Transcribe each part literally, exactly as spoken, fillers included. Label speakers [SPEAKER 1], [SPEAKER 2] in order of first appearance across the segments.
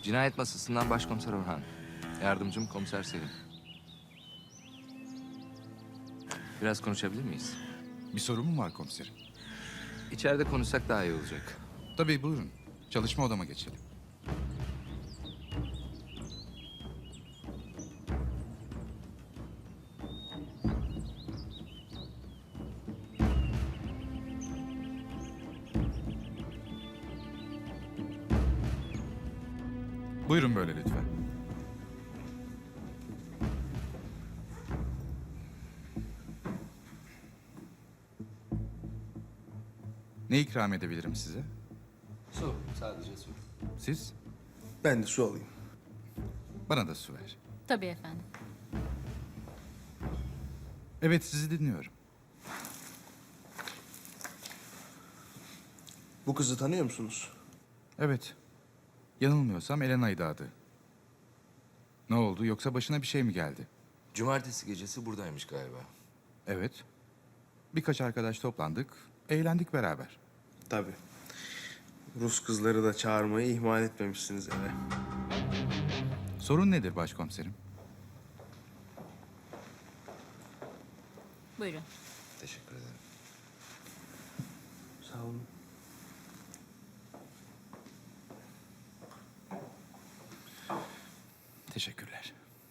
[SPEAKER 1] Cinayet masasından Başkomiser Orhan. Yardımcım Komiser Selim. Biraz konuşabilir miyiz?
[SPEAKER 2] Bir sorun mu var komiserim?
[SPEAKER 1] İçeride konuşsak daha iyi olacak.
[SPEAKER 2] Tabii buyurun. Çalışma odama geçelim. Buyurun böyle lütfen. Ne ikram edebilirim size?
[SPEAKER 1] Su, sadece su.
[SPEAKER 2] Siz?
[SPEAKER 3] Ben de su alayım.
[SPEAKER 2] Bana da su ver.
[SPEAKER 4] Tabii efendim.
[SPEAKER 2] Evet, sizi dinliyorum.
[SPEAKER 3] Bu kızı tanıyor musunuz?
[SPEAKER 2] Evet. Yanılmıyorsam Elena'ydı adı. Ne oldu, yoksa başına bir şey mi geldi?
[SPEAKER 1] Cumartesi gecesi buradaymış galiba.
[SPEAKER 2] Evet. Birkaç arkadaş toplandık, eğlendik beraber.
[SPEAKER 3] Tabii. Rus kızları da çağırmayı ihmal etmemişsiniz eve.
[SPEAKER 2] Sorun nedir başkomiserim?
[SPEAKER 4] Buyurun.
[SPEAKER 1] Teşekkür ederim.
[SPEAKER 3] Sağ olun.
[SPEAKER 2] Teşekkürler.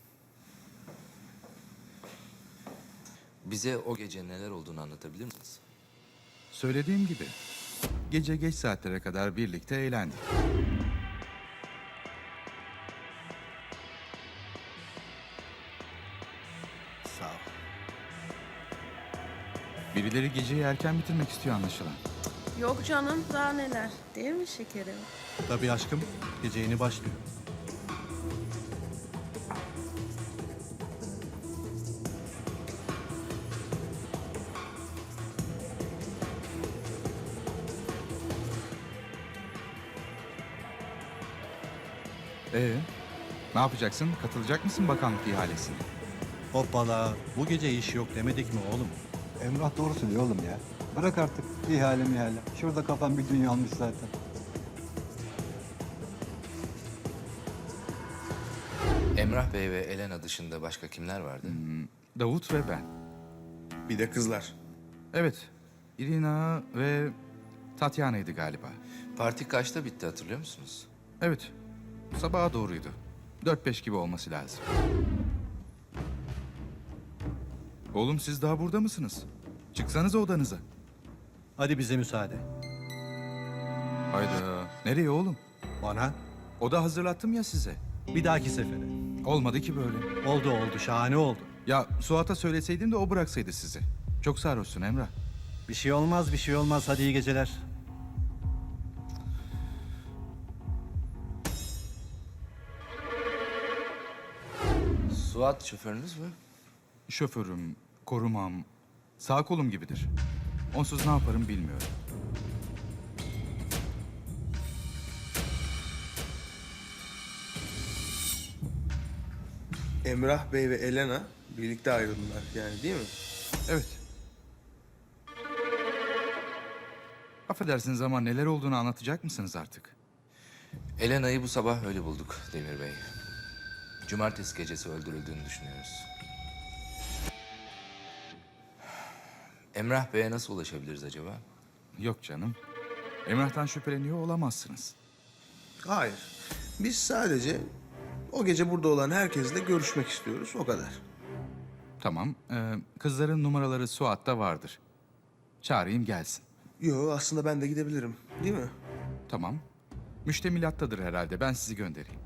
[SPEAKER 1] Bize o gece neler olduğunu anlatabilir misiniz?
[SPEAKER 2] Söylediğim gibi, gece geç saatlere kadar birlikte eğlendik.
[SPEAKER 3] Sağ ol.
[SPEAKER 2] Birileri geceyi erken bitirmek istiyor anlaşılan.
[SPEAKER 5] Yok canım, daha neler. Değil mi şekerim?
[SPEAKER 6] Tabii aşkım. Gece yeni başlıyor.
[SPEAKER 2] Ee, ne yapacaksın? Katılacak mısın bakanlık ihalesine?
[SPEAKER 6] Hoppala. Bu gece iş yok demedik mi oğlum?
[SPEAKER 7] Emrah doğru söylüyor oğlum ya. Bırak artık ihale mihale. Şurada kafan bir dünya almış zaten.
[SPEAKER 1] Emrah Bey ve Elena dışında başka kimler vardı?
[SPEAKER 2] Davut ve ben.
[SPEAKER 3] Bir de kızlar.
[SPEAKER 2] Evet, Irina ve Tatyana'ydı galiba.
[SPEAKER 1] Parti kaçta bitti hatırlıyor musunuz?
[SPEAKER 2] Evet, sabaha doğruydu. Dört beş gibi olması lazım. Oğlum siz daha burada mısınız? Çıksanıza odanıza.
[SPEAKER 6] Hadi bize müsaade.
[SPEAKER 2] Hayda, nereye oğlum?
[SPEAKER 6] Bana
[SPEAKER 2] Oda hazırlattım ya size.
[SPEAKER 6] bir dahaki sefere.
[SPEAKER 2] Olmadı ki böyle.
[SPEAKER 6] Oldu oldu. Şahane oldu.
[SPEAKER 2] Ya Suat'a söyleseydin de o bıraksaydı sizi. Çok sarhoşsun Emrah.
[SPEAKER 6] Bir şey olmaz bir şey olmaz. Hadi iyi geceler.
[SPEAKER 1] Suat şoförünüz mü?
[SPEAKER 2] Şoförüm, korumam, sağ kolum gibidir. Onsuz ne yaparım bilmiyorum.
[SPEAKER 3] Emrah Bey ve Elena birlikte ayrıldılar yani değil mi?
[SPEAKER 2] Evet. Affedersiniz ama neler olduğunu anlatacak mısınız artık?
[SPEAKER 1] Elena'yı bu sabah öyle bulduk Demir Bey. Cumartesi gecesi öldürüldüğünü düşünüyoruz. Emrah Bey'e nasıl ulaşabiliriz acaba?
[SPEAKER 2] Yok canım. Emrah'tan şüpheleniyor olamazsınız.
[SPEAKER 3] Hayır. Biz sadece o gece burada olan herkesle görüşmek istiyoruz. O kadar.
[SPEAKER 2] Tamam, ee, kızların numaraları Suat'ta vardır. Çağırayım gelsin.
[SPEAKER 3] Yo aslında ben de gidebilirim. Değil mi?
[SPEAKER 2] Tamam. Müştemilattadır herhalde, ben sizi göndereyim.